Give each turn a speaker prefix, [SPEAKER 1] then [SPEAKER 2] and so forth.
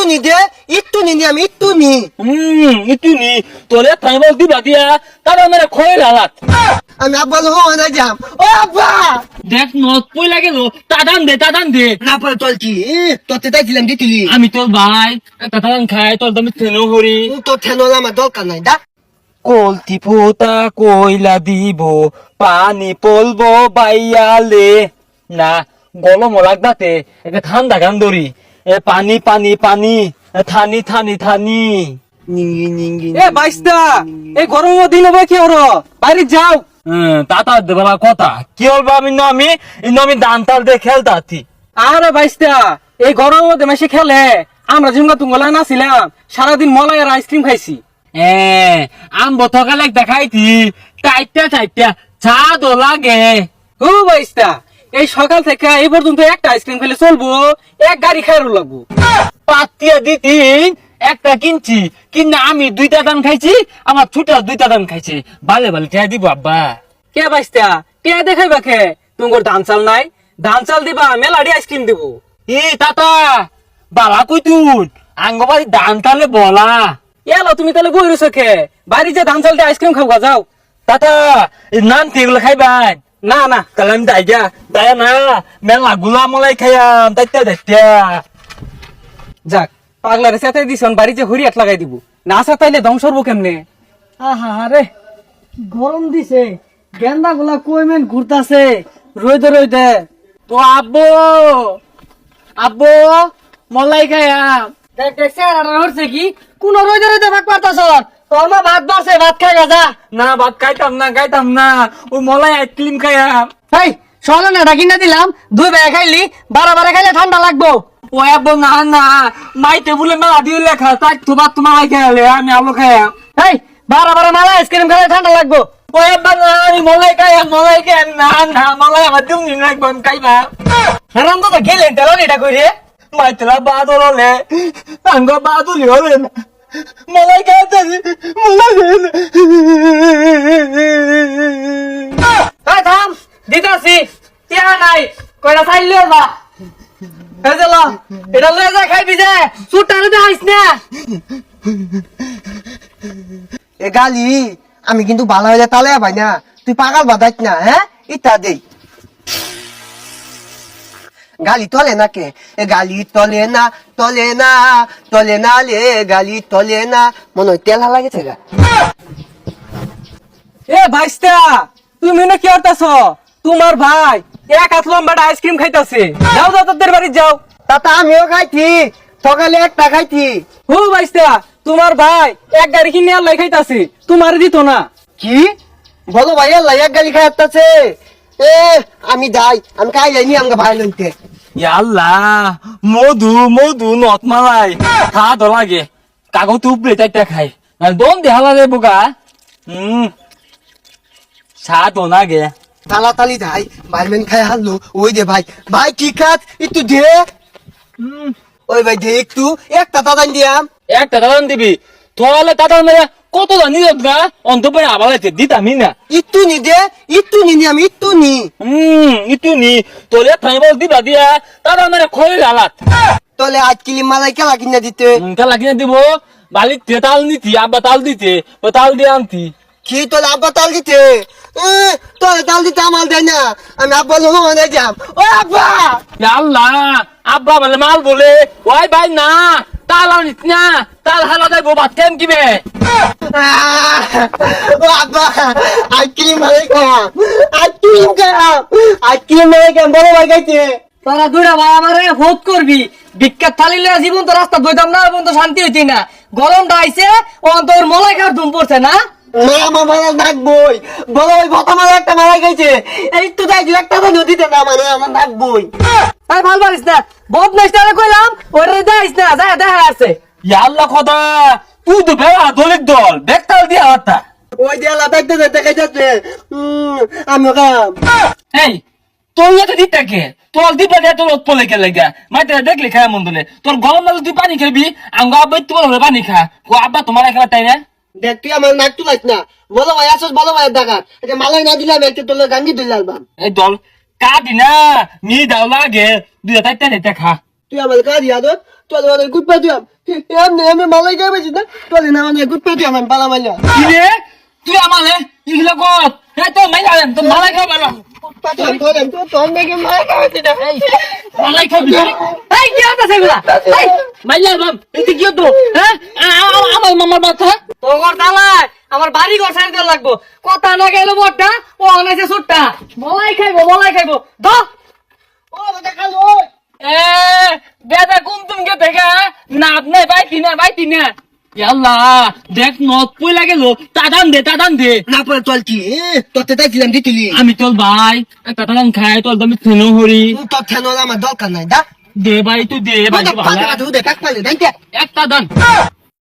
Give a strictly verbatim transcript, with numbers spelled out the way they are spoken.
[SPEAKER 1] নি দে একটু নি নি আমি একটু নি
[SPEAKER 2] হুম একটু নি তোলে থাইবল দিবা দিয়া তারা মেরে খয়ে লালাত
[SPEAKER 1] আমি আব্বা লোক না যাম ও আব্বা
[SPEAKER 2] দেখ নত পই লাগে লো তাদান দে তাদান দে
[SPEAKER 1] না পরে চলছি তোতে তাইছিলাম দিতিলি
[SPEAKER 2] আমি তোর ভাই তাদান খাই তোর দামি তেনো হরি
[SPEAKER 1] তোর ঠেনলা আমার দরকার নাই দা
[SPEAKER 2] কলতি পোতা কইলা দিব পানি পলবো বাইয়ালে না গলম লাগদাতে একটা ঠান্ডা গান ধরি এ পানি পানি পানি এ থানি থানি থানি
[SPEAKER 1] নিঙ্গি নিঙ্গি
[SPEAKER 3] এ বাইশটা এই গরমের দিন হবে কি ওর বাইরে যাও।
[SPEAKER 2] হ্যাঁ তাতা দেবা কথা কি হলবা আমি না আমি ইনো আমি দান তাল দিয়ে খেলতাছি
[SPEAKER 3] আরে বাইশটা এই গরমের মধ্যে মেশে খেলে আমরা ঝুমকা তুঙ্গলা নাছিলাম সারাদিন মলাই আর আইসক্রিম খাইছি।
[SPEAKER 2] এ আম বতকালে দেখাইছি চাইটা চাইটা চা দো লাগে
[SPEAKER 3] ও বাইশটা এই সকাল থেকে এই পর্যন্ত একটা আইসক্রিম খেলে চলবো এক গাড়ি খাইরও লাগবো।
[SPEAKER 2] পাতিয়া দিতিন একটা কিনছি কিনা আমি দুইটা দান খাইছি আমার ছোটা দুইটা দান খাইছে বালে বালে ঠেয়া দিব আব্বা
[SPEAKER 3] কে বাইশটা কে দেখাইবা খে তোমার ধান চাল নাই ধান চাল দিবা মেলাডি আইসক্রিম দিব।
[SPEAKER 2] এ তাতা বালা কই তুন আঙ্গবাড়ি দান তালে বলা
[SPEAKER 3] এলো তুমি তাহলে বই রয়েছো খে বাড়ি যে ধান চাল দিয়ে আইসক্রিম খাওয়া যাও।
[SPEAKER 2] তাতা নান তেগুলো খাইবাই
[SPEAKER 3] না না
[SPEAKER 2] তাহলে আমি দাই যা দাই না মেলা গুলা মলাই খাইয়াম দাইতা দাইতা
[SPEAKER 3] যাক পাগলারে সাথে দিছন বাড়ি যে হরিয়াট লাগাই দিব না সাথে ধ্বংস হবো কেমনে। আহা রে গরম দিছে গেন্দা গুলা কইমেন ঘুরতাছে রইদে রইদে
[SPEAKER 2] তো আব্বু আব্বু মলাই খাইয়াম
[SPEAKER 3] দেখ দেখ স্যার হচ্ছে কি কোন রইদে রইদে ভাগ পারতাছ তোর মা ভাত বাসে ভাত খাই গা
[SPEAKER 2] না ভাত খাইতাম না খাইতাম না ওই মলাই আইসক্রিম খাইয়াম
[SPEAKER 3] এই চলে না ডাকি না দিলাম দুই বেলা খাইলি বারো বারে খাইলে ঠান্ডা লাগবো।
[SPEAKER 2] ও আব্বু না না মাই টেবুলে মেলা দিয়ে লেখা তাই তোমার তোমার খাইলে আমি আলু খাইয়াম
[SPEAKER 3] এই বারো বারে মালা আইসক্রিম খাইলে ঠান্ডা লাগবো।
[SPEAKER 2] ও আব্বা না আমি মলাই খাইয়াম মলাই খাইয়াম না না মলাই আমার তুমি নিন একবার খাইবা
[SPEAKER 3] হারাম তো গেলেন তেল এটা কইরে
[SPEAKER 2] মাই তেলা বাদল হলে আঙ্গ বাদুলি হলে না মলাই খাইতে মলাই
[SPEAKER 3] এই থাম দিতাছি টিয়া নাই কইরা চাইলিও যা এই যে ল এটা লয়ে যা খাইবি যে সুটারে দে আইস না।
[SPEAKER 1] এ গালি আমি কিন্তু ভালো হয়ে তালে ভাই না তুই পাগল বাদাইস না হ্যাঁ ইটা দেই গালি তলে না কে এ গালি তলে না তলে না তলে না লে গালি তলে না মনে হয় তেল লাগেছে গা
[SPEAKER 3] এ ভাইস্তা তুমি না কি করতাছ তোমার ভাই এক হাত লম্বাটা আইসক্রিম খাইতাছে যাও যাও তোদের বাড়ি যাও।
[SPEAKER 1] তাতা আমিও খাইছি সকালে একটা খাইছি
[SPEAKER 3] হু ভাইস্তা তোমার ভাই এক গাড়ি কিনে আল্লাহ খাইতাছে তোমার দিত না।
[SPEAKER 1] কি বলো ভাই আল্লাহ এক গালি খাই আসতেছে এ আমি যাই আমি খাই যাইনি আমাকে ভাই লইতে
[SPEAKER 2] আল্লাহ মধু মধু নত মালাই খা তো লাগে কাগজ উপরে চারটা খাই দন দেখা লাগে বোকা হম চা তো নাগে
[SPEAKER 1] তালা তালি যাই ভাইমেন খাই হারলো ওই দে ভাই ভাই কি খাত একটু দে ওই ভাই দে একটু একটা দাদান দিয়াম
[SPEAKER 2] একটা দাদান দিবি তোলে দাদান মেরে কত জানি গা অন্তপরে আবার দিতামি না
[SPEAKER 1] একটু নি দে একটু নি নি আমি একটু নি
[SPEAKER 2] হম ইটু নি তোলে থাইবল দিবা দিয়া দাদা মেরে খয়ে লালাত
[SPEAKER 1] তলে আজ কিলি মালাই খেলা কিনা দিতে
[SPEAKER 2] খেলা কিনে দিব বালিতে তাল নিতি আব্বা তাল দিতে ও তাল দিয়ে আনতি
[SPEAKER 1] কি তোলে আব্বা তাল দিতে এ, তোলে তাল দিতে আমার দেয় না আমি আব্বা লোক মানে যাম ও আব্বা
[SPEAKER 2] আল্লাহ আব্বা বলে মাল বলে ওই ভাই না তাল আনিস না তাল হালা দেয় ভাত কেম কিবে
[SPEAKER 1] আহ, ও আব্বা আজ কিলি মালাই খাম আজ কিলি খাম আজ কিলি মালাই খাম বড় ভাই খাইছে
[SPEAKER 3] তোরা দুইটা ভাই আমারে ভোট করবি বিখ্যাত থালিলে জীবন তো রাস্তা বইতাম না এবং তো শান্তি হইতি না গরমটা আইছে ও তোর মলাই খার ধুম পড়ছে না।
[SPEAKER 1] না আমার মালা নাকবই বড় ভাই ভতা মালা একটা মালা খাইছে এই তো তাই একটা তো নদীতে না মানে আমার নাকবই
[SPEAKER 3] আরে ভাল পারিস না বহুত নেস্টারে কইলাম ওরে যাইস না যা দেখা আছে
[SPEAKER 2] আল্লাহ খোদা তুই তো বেড়া দলিত দল দেখতাল দিয়া হাতা
[SPEAKER 1] ওই যে আল্লাহ দেখতে দেখতে খাইছে আমি খাম
[SPEAKER 2] এই তোর তো দিতাকে তোর দিবা দিয়ে তোর পলে কে লাগা মাইতে দেখলি খায় মন দলে তোর গরম লাগলে তুই পানি খাবি আঙ্গ আব্বা তোমার পানি খা ও আব্বা তোমার এখানে তাই না
[SPEAKER 1] দেখ তুই আমার নাক তুলাইস না বলো ভাই আসস বলো ভাই দেখা এটা মালাই না দিলাম একটা তোর গাঙ্গি দিলাম
[SPEAKER 2] এই দল কাটি না মি দাও লাগে দুই তাইতে তাইতে খা
[SPEAKER 1] তুই আমার কাজ ইয়াদ তোলে মানে গুড পা দিয়াম এমনি এমনি মালাই গায়ে বেশি না তোলে না মানে গুড পা দিয়াম আমি বালা মাইলা
[SPEAKER 2] কি রে তুই আমালে ইগুলো কর এই তো মাই যাবেন তো মালাই খাও বাবা
[SPEAKER 1] পাঠাম তোলে তো তোর নাকি মালাই গায়ে বেশি না
[SPEAKER 2] মালাই খাবি
[SPEAKER 3] এই কি হতাছে এগুলা এই
[SPEAKER 2] মাইলা বাম এতে কি হতো হ্যাঁ আ- আ- আমার মামার বাচ্চা
[SPEAKER 3] তোর দালাই আমার বাড়ি ঘর সাইড দেওয়া লাগবো কথা না গেল বড়টা ও অনেছে ছোটটা মলাই খাইবো মলাই খাইবো দ
[SPEAKER 1] ও বেটা খালো
[SPEAKER 2] এ বেদা কুম তুম কে দেখা না আপনি বাইতি না বাইতি না ইয়াল্লা দেখ নদ পয়লা গেল তাদান দে তাদান দে
[SPEAKER 1] না পরে তোল কি তোতে তাইছিলাম দিতিলি
[SPEAKER 2] আমি তোর ভাই একটা তাদান খাই তোর দামি থেনো হরি
[SPEAKER 1] তোর ঠেনোর আমার দরকার নাই দা
[SPEAKER 2] দে ভাই তুই দে ভাই ভালো
[SPEAKER 1] দে কাক পালে দেখ
[SPEAKER 2] একটা দান